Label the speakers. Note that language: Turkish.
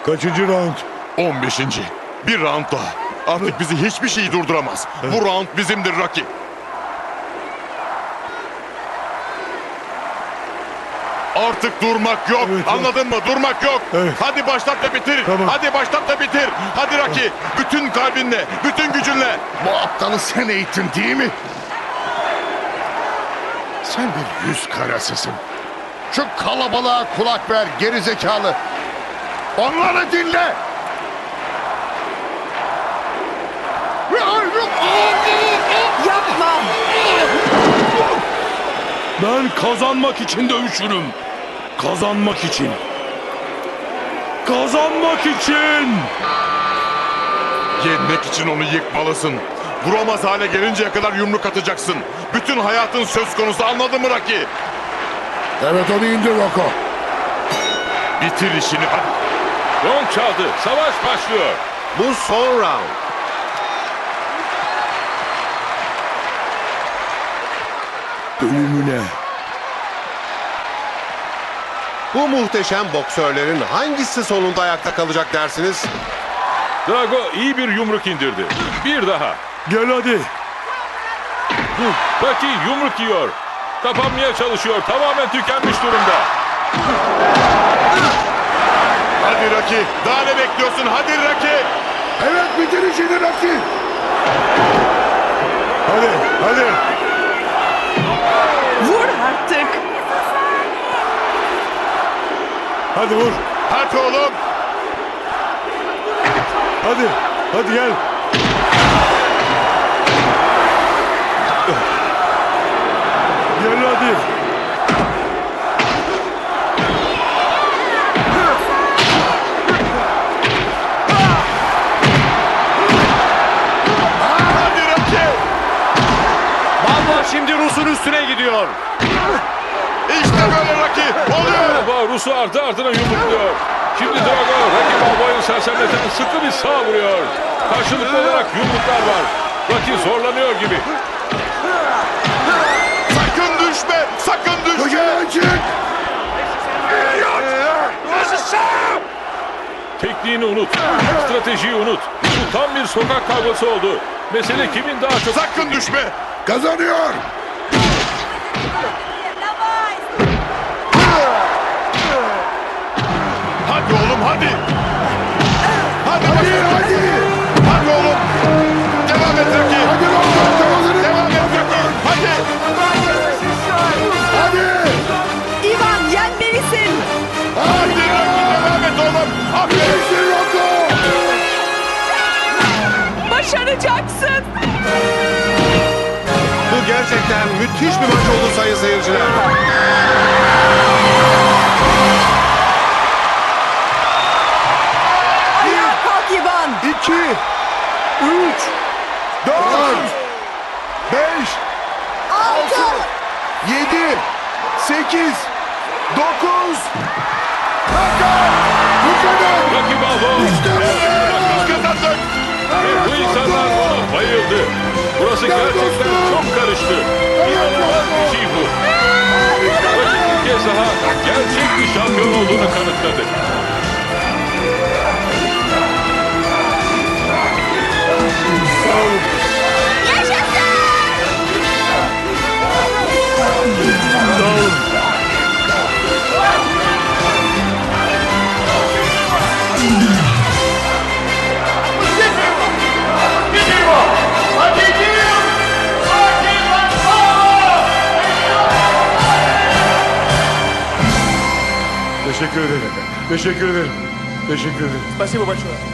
Speaker 1: Kaçıncı round?
Speaker 2: 15. Bir round daha. Artık bizi hiçbir şey durduramaz. Bu round bizimdir Rocky. Artık durmak yok.
Speaker 1: Evet,
Speaker 2: Anladın mı? Durmak yok.
Speaker 1: Evet.
Speaker 2: Hadi başlat da bitir.
Speaker 1: Tamam.
Speaker 2: Hadi başlat da bitir. Hadi Rocky. Bütün kalbinle, bütün gücünle.
Speaker 3: Bu aptalı sen eğittin değil mi? Sen bir yüz karasısın. Şu kalabalığa kulak ver gerizekalı. Onları dinle.
Speaker 4: Yapma.
Speaker 1: Ben kazanmak için dövüşürüm. Kazanmak için. Kazanmak için.
Speaker 2: Yenmek için onu yıkmalısın. Vuramaz hale gelinceye kadar yumruk atacaksın. Bütün hayatın söz konusu, anladın mı Rocky?
Speaker 3: Evet, onu indir Rocco.
Speaker 2: Bitir işini hadi.
Speaker 5: Gong çaldı. Savaş başlıyor.
Speaker 6: Bu son round.
Speaker 1: Ölümüne.
Speaker 6: Bu muhteşem boksörlerin hangisi sonunda ayakta kalacak dersiniz?
Speaker 5: Drago iyi bir yumruk indirdi. Bir daha.
Speaker 1: Gel hadi.
Speaker 5: Rocky yumruk yiyor. Kapanmaya çalışıyor. Tamamen tükenmiş durumda.
Speaker 2: Hadi Rocky. Daha ne bekliyorsun? Hadi Rocky.
Speaker 3: Evet, bitir işini Rocky.
Speaker 1: Hadi. Hadi.
Speaker 4: Vur artık.
Speaker 1: Hadi vur.
Speaker 2: Hadi oğlum.
Speaker 1: Hadi. Hadi gel. Gel hadi.
Speaker 2: Hadi Rocky.
Speaker 6: Balboa şimdi Rus'un üstüne gidiyor.
Speaker 2: İşte böyle Rocky. Oluyor.
Speaker 5: Balboa Rus'u ardı ardına yumrukluyor. Şimdi Drago Rocky Balboa'yı sersemleten sıkı bir sağ vuruyor. Karşılıklı olarak yumruklar var. Rocky zorlanıyor gibi.
Speaker 2: Sakın düşme. Sakın düşme.
Speaker 3: Kocaman çık.
Speaker 5: Tekniğini unut. Stratejiyi unut. Bu tam bir sokak kavgası oldu. Mesele kimin daha çok...
Speaker 2: Sakın düşme.
Speaker 3: Kazanıyor.
Speaker 2: Hadi oğlum hadi. Hadi
Speaker 3: Hadi,
Speaker 2: bakayım.
Speaker 3: hadi.
Speaker 2: Hadi oğlum. Devam et Rocky.
Speaker 3: Hadi Rocco, kazanır.
Speaker 2: Devam et Rocky. Hadi.
Speaker 3: Hadi.
Speaker 4: İvan yenmelisin.
Speaker 2: Hadi Rocky. Devam et oğlum. Aferin.
Speaker 3: Bitir Rocco.
Speaker 4: Başaracaksın.
Speaker 6: Bu gerçekten müthiş bir maç oldu sayın seyirciler.
Speaker 4: Ayağa kalk İvan.
Speaker 1: 2, 3, 4, 5, 7, 8, 9.
Speaker 5: Rocky Balboa.
Speaker 2: Kazandık.
Speaker 5: Ve bu insanlar ona bayıldı. Burası gerçekten çok karıştı. İnanılmaz bir şey bu. Rocky bir kez daha gerçek bir şampiyon olduğunu kanıtladı.
Speaker 1: Teşekkür ederim. Teşekkür ederim. Teşekkür ederim.
Speaker 7: Спасибо большое.